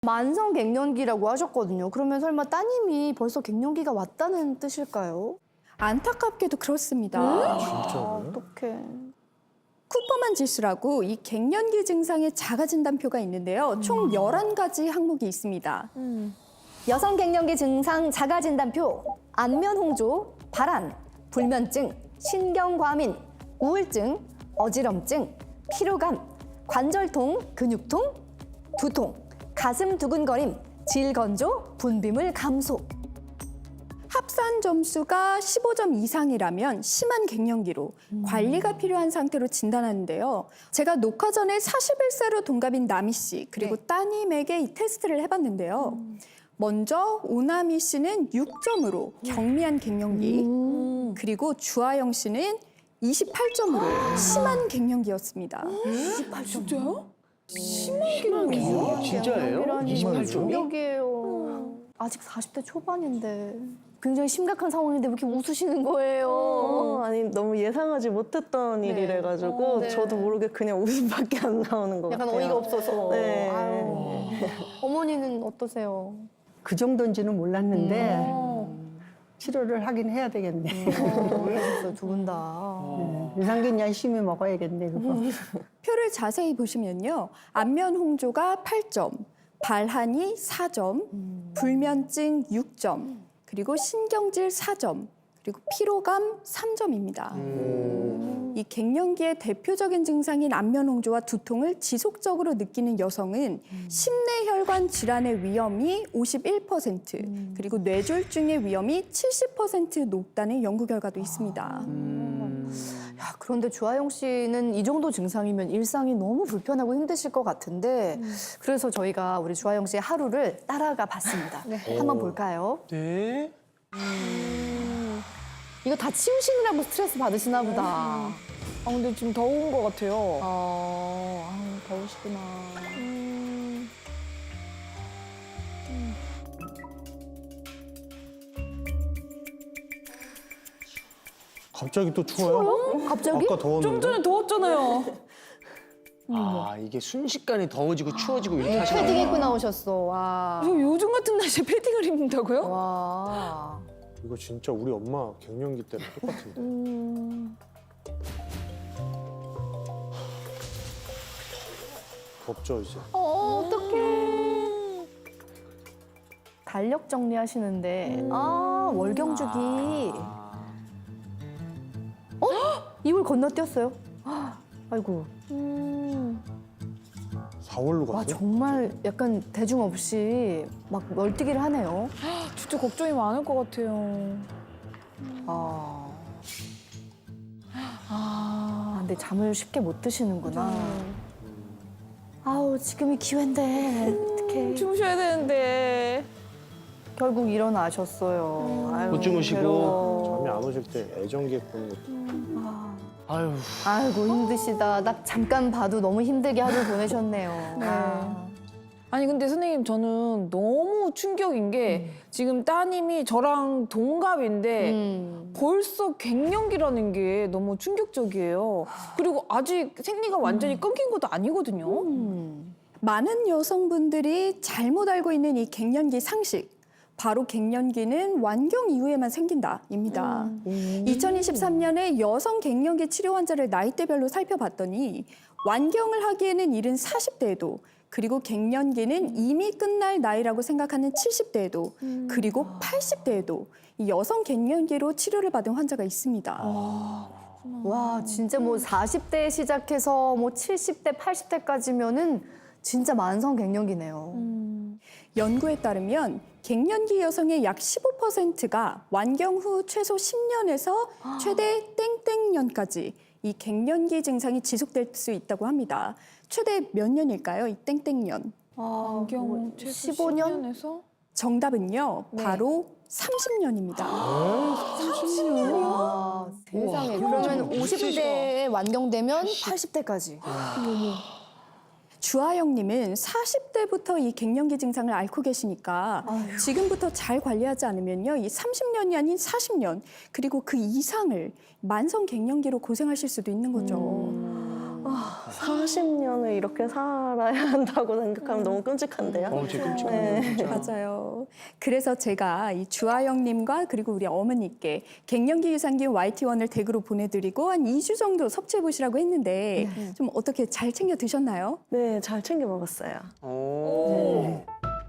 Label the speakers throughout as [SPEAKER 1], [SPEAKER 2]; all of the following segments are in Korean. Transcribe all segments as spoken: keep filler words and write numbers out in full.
[SPEAKER 1] 만성 갱년기라고 하셨거든요. 그러면 설마 따님이 벌써 갱년기가 왔다는 뜻일까요?
[SPEAKER 2] 안타깝게도 그렇습니다.
[SPEAKER 1] 아,
[SPEAKER 3] 진짜로요?
[SPEAKER 1] 어떡해.
[SPEAKER 2] 쿠퍼만 지수라고 이 갱년기 증상의 자가 진단표가 있는데요. 총 열한 가지 항목이 있습니다.
[SPEAKER 1] 여성 갱년기 증상 자가 진단표, 안면 홍조, 발한, 불면증, 신경과민, 우울증, 어지럼증, 피로감, 관절통, 근육통, 두통, 가슴 두근거림, 질건조, 분비물 감소.
[SPEAKER 2] 합산 점수가 십오 점 이상이라면 심한 갱년기로 관리가 필요한 상태로 진단하는데요. 제가 녹화 전에 사십일 세로 동갑인 나미 씨 그리고
[SPEAKER 1] 네.
[SPEAKER 2] 따님에게 이 테스트를 해봤는데요. 먼저 오나미 씨는 육 점으로 경미한 갱년기,
[SPEAKER 1] 음.
[SPEAKER 2] 그리고 주아영 씨는 이십팔 점으로 심한 갱년기였습니다.
[SPEAKER 1] 이십팔 점.
[SPEAKER 4] 진짜요?
[SPEAKER 3] 갱년기 진짜예요? 이십팔 점이?
[SPEAKER 1] 충격이에요. 아직 사십 대 초반인데 굉장히 심각한 상황인데 왜 이렇게 웃으시는 거예요?
[SPEAKER 4] 어, 아니 너무 예상하지 못했던
[SPEAKER 1] 네.
[SPEAKER 4] 일이래 가지고
[SPEAKER 1] 어, 네.
[SPEAKER 4] 저도 모르게 그냥 웃음밖에 안 나오는 것
[SPEAKER 1] 약간
[SPEAKER 4] 같아요.
[SPEAKER 1] 어이가 없어서.
[SPEAKER 4] 네.
[SPEAKER 1] 아유. 어머니는 어떠세요?
[SPEAKER 5] 그 정도인지는 몰랐는데
[SPEAKER 1] 어.
[SPEAKER 5] 치료를 하긴 해야 되겠네.
[SPEAKER 1] 놀라셨어요, 두 분 다.
[SPEAKER 5] 네. 유산균 열심히 먹어야겠네, 그거.
[SPEAKER 2] 표를 자세히 보시면요. 안면 홍조가 팔 점, 발한이 사 점, 불면증 육 점, 그리고 신경질 사 점, 그리고 피로감 삼 점입니다. 이 갱년기의 대표적인 증상인 안면 홍조와 두통을 지속적으로 느끼는 여성은 심내혈관 질환의 위험이 오십일 퍼센트, 그리고 뇌졸중의 위험이 칠십 퍼센트 높다는 연구 결과도 있습니다.
[SPEAKER 1] 야, 그런데 주하영 씨는 이 정도 증상이면 일상이 너무 불편하고 힘드실 것 같은데 그래서 저희가 우리 주하영 씨의 하루를 따라가 봤습니다. 한번 볼까요?
[SPEAKER 3] 네.
[SPEAKER 1] 이거 다 치우시느라고 스트레스 받으시나 보다.
[SPEAKER 4] 아 근데 지금 더운 것 같아요.
[SPEAKER 1] 어, 아유, 더우시구나.
[SPEAKER 3] 갑자기 또 추워요?
[SPEAKER 1] 갑자기?
[SPEAKER 3] 아까 더웠는데?
[SPEAKER 4] 좀 전에 더웠잖아요.
[SPEAKER 6] 아 이게 순식간에 더워지고 추워지고 이렇게 하시는
[SPEAKER 1] 패딩
[SPEAKER 6] 거예요?
[SPEAKER 1] 입고 나오셨어. 와.
[SPEAKER 4] 저 요즘 같은 날씨에 패딩을 입는다고요?
[SPEAKER 1] 와.
[SPEAKER 3] 이거 진짜 우리 엄마 갱년기 때랑 똑같은데. 덥죠 이제.
[SPEAKER 1] 어, 어떡해. 달력 정리하시는데, 아, 월경주기. 어? 이월 건너뛰었어요. 아이고.
[SPEAKER 3] 사월로
[SPEAKER 1] 와,
[SPEAKER 3] 갔어요?
[SPEAKER 1] 정말 약간 대중 없이 막 널뛰기를 하네요.
[SPEAKER 4] 진짜 걱정이 많을 것 같아요.
[SPEAKER 1] 아. 아, 근데 잠을 쉽게 못 드시는구나. 아우, 지금이 기회인데. 어떡해.
[SPEAKER 4] 주무셔야 되는데.
[SPEAKER 1] 결국 일어나셨어요. 아유,
[SPEAKER 6] 못 주무시고.
[SPEAKER 1] 괴로워.
[SPEAKER 3] 잠이 안 오실 때 애정기획 보는 것도.
[SPEAKER 6] 아유
[SPEAKER 1] 아이고, 힘드시다. 딱 잠깐 봐도 너무 힘들게 하루 보내셨네요.
[SPEAKER 4] 네.
[SPEAKER 1] 아.
[SPEAKER 4] 아니 근데 선생님 저는 너무 충격인 게 지금 따님이 저랑 동갑인데
[SPEAKER 1] 음.
[SPEAKER 4] 벌써 갱년기라는 게 너무 충격적이에요. 그리고 아직 생리가 완전히 끊긴 것도 아니거든요.
[SPEAKER 1] 음.
[SPEAKER 2] 많은 여성분들이 잘못 알고 있는 이 갱년기 상식. 바로 갱년기는 완경 이후에만 생긴다입니다. 이천이십삼 년에 여성 갱년기 치료 환자를 나이대별로 살펴봤더니 완경을 하기에는 이른 사십 대에도 그리고 갱년기는 이미 끝날 나이라고 생각하는 칠십 대에도 그리고 팔십 대에도 이 여성 갱년기로 치료를 받은 환자가 있습니다.
[SPEAKER 1] 와, 진짜 뭐 사십 대 시작해서 뭐 칠십 대, 팔십 대까지면은 진짜 만성 갱년기네요.
[SPEAKER 2] 연구에 따르면 갱년기 여성의 약 십오 퍼센트가 완경 후 최소 십 년에서 최대 땡땡년까지 이 갱년기 증상이 지속될 수 있다고 합니다. 최대 몇 년일까요? 이 땡땡년.
[SPEAKER 1] 아,
[SPEAKER 4] 안경
[SPEAKER 1] 뭐
[SPEAKER 4] 최소
[SPEAKER 1] 십오 년?
[SPEAKER 4] 십 년에서?
[SPEAKER 2] 정답은요.
[SPEAKER 1] 네.
[SPEAKER 2] 바로 삼십 년입니다.
[SPEAKER 1] 삼십 년이요? 와, 세상에. 그러면 오십 대에 완경되면 팔십 대까지.
[SPEAKER 2] 주하영님은 사십 대부터 이 갱년기 증상을 앓고 계시니까
[SPEAKER 1] 아유.
[SPEAKER 2] 지금부터 잘 관리하지 않으면요, 이 삼십 년이 아닌 사십 년 그리고 그 이상을 만성 갱년기로 고생하실 수도 있는 거죠.
[SPEAKER 1] 음.
[SPEAKER 7] 사십 년을 이렇게 살아야 한다고 생각하면 너무 끔찍한데요.
[SPEAKER 6] 어, 진짜 끔찍하네요.
[SPEAKER 7] 네.
[SPEAKER 6] 진짜.
[SPEAKER 2] 맞아요. 그래서 제가 이 주아영님과 그리고 우리 어머니께 갱년기 유산균 와이티원을 댁으로 보내드리고 한 이 주 정도 섭취해 보시라고 했는데 좀 어떻게 잘 챙겨 드셨나요?
[SPEAKER 7] 네, 잘 챙겨 먹었어요.
[SPEAKER 6] 오.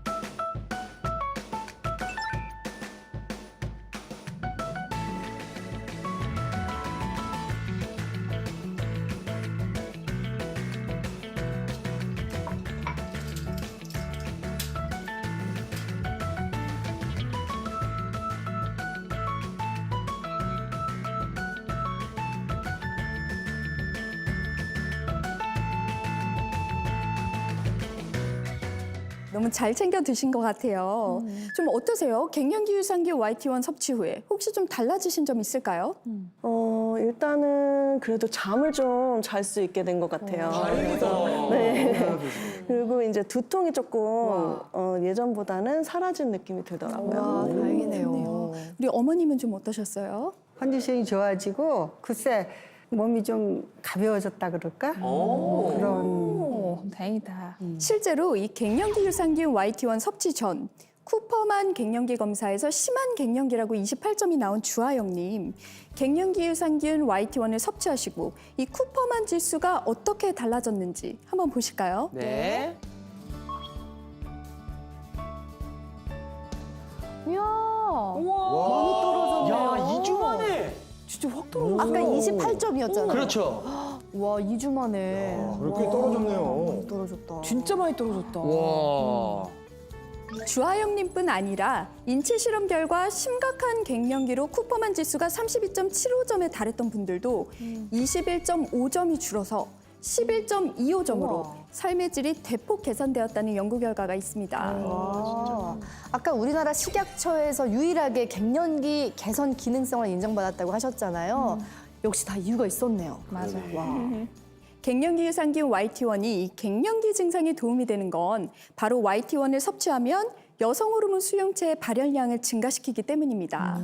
[SPEAKER 2] 너무 잘 챙겨 드신 것 같아요. 좀 어떠세요? 갱년기 유산균 와이티원 섭취 후에 혹시 좀 달라지신 점 있을까요?
[SPEAKER 7] 어, 일단은 그래도 잠을 좀 잘 수 있게 된 것 같아요.
[SPEAKER 6] 다행이다.
[SPEAKER 7] 네. 그리고 이제 두통이 조금 어, 예전보다는 사라진 느낌이 들더라고요.
[SPEAKER 1] 와, 다행이네요.
[SPEAKER 2] 우리 어머님은 좀 어떠셨어요?
[SPEAKER 5] 컨디션이 좋아지고 글쎄 몸이 좀 가벼워졌다 그럴까?
[SPEAKER 6] 오.
[SPEAKER 5] 그런
[SPEAKER 4] 오, 다행이다.
[SPEAKER 2] 실제로 이 갱년기 유산균 와이티원 섭취 전 쿠퍼만 갱년기 검사에서 심한 갱년기라고 이십팔 점이 나온 주아영님, 갱년기 유산균 와이티원을 섭취하시고 이 쿠퍼만 지수가 어떻게 달라졌는지 한번 보실까요?
[SPEAKER 6] 네.
[SPEAKER 1] 이야,
[SPEAKER 6] 와. 야, 이 주 만에.
[SPEAKER 4] 진짜 확 떨어졌어.
[SPEAKER 1] 아까 이십팔 점이었잖아요.
[SPEAKER 6] 그렇죠.
[SPEAKER 1] 와, 이 주 만에.
[SPEAKER 3] 그렇게
[SPEAKER 1] 와,
[SPEAKER 3] 떨어졌네요.
[SPEAKER 1] 많이 떨어졌다.
[SPEAKER 4] 진짜 많이 떨어졌다.
[SPEAKER 6] 와.
[SPEAKER 2] 주아영님뿐 아니라 인체 실험 결과 심각한 갱년기로 쿠퍼만 지수가 삼십이 점 칠오 점에 달했던 분들도 이십일 점 오 점이 줄어서 십일 점 이오 점으로
[SPEAKER 1] 우와.
[SPEAKER 2] 삶의 질이 대폭 개선되었다는 연구 결과가 있습니다.
[SPEAKER 1] 와, 아까 우리나라 식약처에서 유일하게 갱년기 개선 기능성을 인정받았다고 하셨잖아요. 역시 다 이유가 있었네요.
[SPEAKER 4] 맞아.
[SPEAKER 1] 와.
[SPEAKER 2] 갱년기 유산균 와이티원이 이 갱년기 증상에 도움이 되는 건 바로 와이티원을 섭취하면 여성 호르몬 수용체의 발현량을 증가시키기 때문입니다.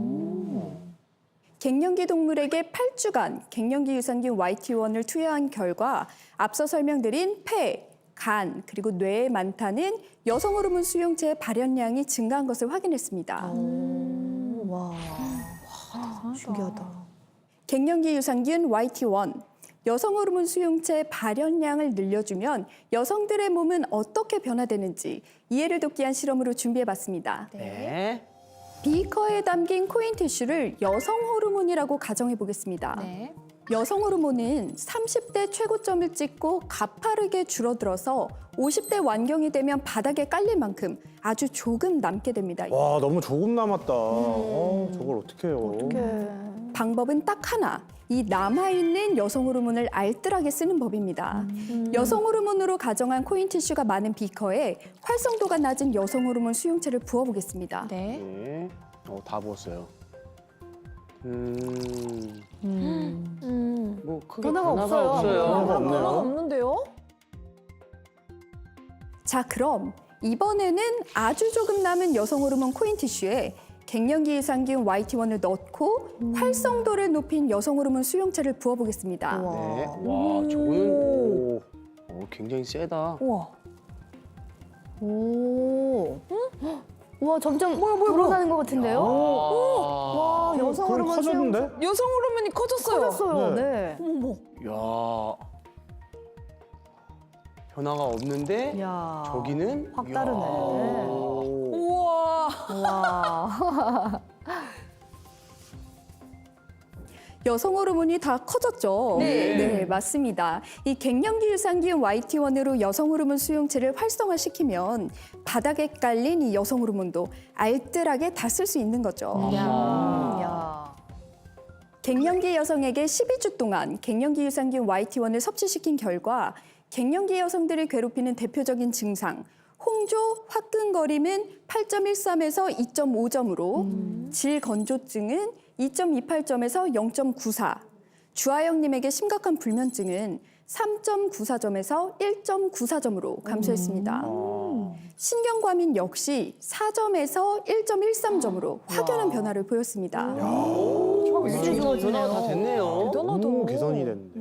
[SPEAKER 2] 갱년기 동물에게 팔 주간 갱년기 유산균 와이티원을 투여한 결과 앞서 설명드린 폐, 간, 그리고 뇌에 많다는 여성 호르몬 수용체의 발현량이 증가한 것을 확인했습니다.
[SPEAKER 1] 와, 신기하다.
[SPEAKER 2] 갱년기 유산균 와이티원, 여성 호르몬 수용체 발현량을 늘려주면 여성들의 몸은 어떻게 변화되는지 이해를 돕기 위한 실험으로 준비해봤습니다.
[SPEAKER 6] 네.
[SPEAKER 2] 비커에 담긴 코인 티슈를 여성 호르몬이라고 가정해 보겠습니다.
[SPEAKER 4] 네.
[SPEAKER 2] 여성 호르몬은 삼십 대 최고점을 찍고 가파르게 줄어들어서 오십 대 완경이 되면 바닥에 깔릴 만큼 아주 조금 남게 됩니다.
[SPEAKER 3] 와, 너무 조금 남았다. 어, 저걸 어떻게 해요?
[SPEAKER 2] 방법은 딱 하나. 이 남아있는 여성 호르몬을 알뜰하게 쓰는 법입니다. 여성 호르몬으로 가정한 코인 티슈가 많은 비커에 활성도가 낮은 여성 호르몬 수용체를 부어보겠습니다.
[SPEAKER 4] 네.
[SPEAKER 6] 네. 어, 다 부었어요. 음.
[SPEAKER 4] 음.
[SPEAKER 6] 뭐 크게
[SPEAKER 1] 변화가
[SPEAKER 6] 변화가
[SPEAKER 1] 없어요.
[SPEAKER 6] 없어요.
[SPEAKER 3] 변화가 없네요.
[SPEAKER 4] 변화가 없는데요?
[SPEAKER 2] 자, 그럼 이번에는 아주 조금 남은 여성 호르몬 코인 티슈에 갱년기 유산균 와이티원을 넣고 활성도를 높인 여성 호르몬 수용체를 부어보겠습니다.
[SPEAKER 6] 네. 와, 저거는 오. 어, 굉장히 세다.
[SPEAKER 4] 우와.
[SPEAKER 1] 오. 와, 점점 불어나는 것 같은데요?
[SPEAKER 6] 와.
[SPEAKER 1] 와, 여성
[SPEAKER 3] 그럼
[SPEAKER 1] 호르몬
[SPEAKER 3] 커졌는데?
[SPEAKER 4] 여성 호르몬이 커졌어요.
[SPEAKER 1] 커졌어요.
[SPEAKER 3] 네.
[SPEAKER 1] 네.
[SPEAKER 4] 어머.
[SPEAKER 6] 야. 변화가 없는데
[SPEAKER 1] 야.
[SPEAKER 6] 저기는
[SPEAKER 1] 확
[SPEAKER 6] 이야.
[SPEAKER 1] 다르네.
[SPEAKER 6] 오.
[SPEAKER 4] 우와.
[SPEAKER 1] 와.
[SPEAKER 2] 여성 호르몬이 다 커졌죠?
[SPEAKER 4] 네.
[SPEAKER 2] 네, 맞습니다. 이 갱년기 유산균 와이티원으로 여성 호르몬 수용체를 활성화시키면 바닥에 깔린 이 여성 호르몬도 알뜰하게 다 쓸 수 있는 거죠.
[SPEAKER 1] 야. 야.
[SPEAKER 2] 갱년기 여성에게 십이 주 동안 갱년기 유산균 와이티원을 섭취시킨 결과 갱년기 여성들을 괴롭히는 대표적인 증상, 홍조, 화끈거림은 팔 점 일삼에서 이 점 오 점으로, 질건조증은 이 점 이팔 점에서 영 점 구사, 주아영님에게 심각한 불면증은 삼 점 구사 점에서 일 점 구사 점으로 감소했습니다. 신경과민 역시 사 점에서 일 점 일삼 점으로 확연한 변화를 보였습니다.
[SPEAKER 6] 오, 변화가 다 됐네요.
[SPEAKER 3] 너무 개선이 됐는데.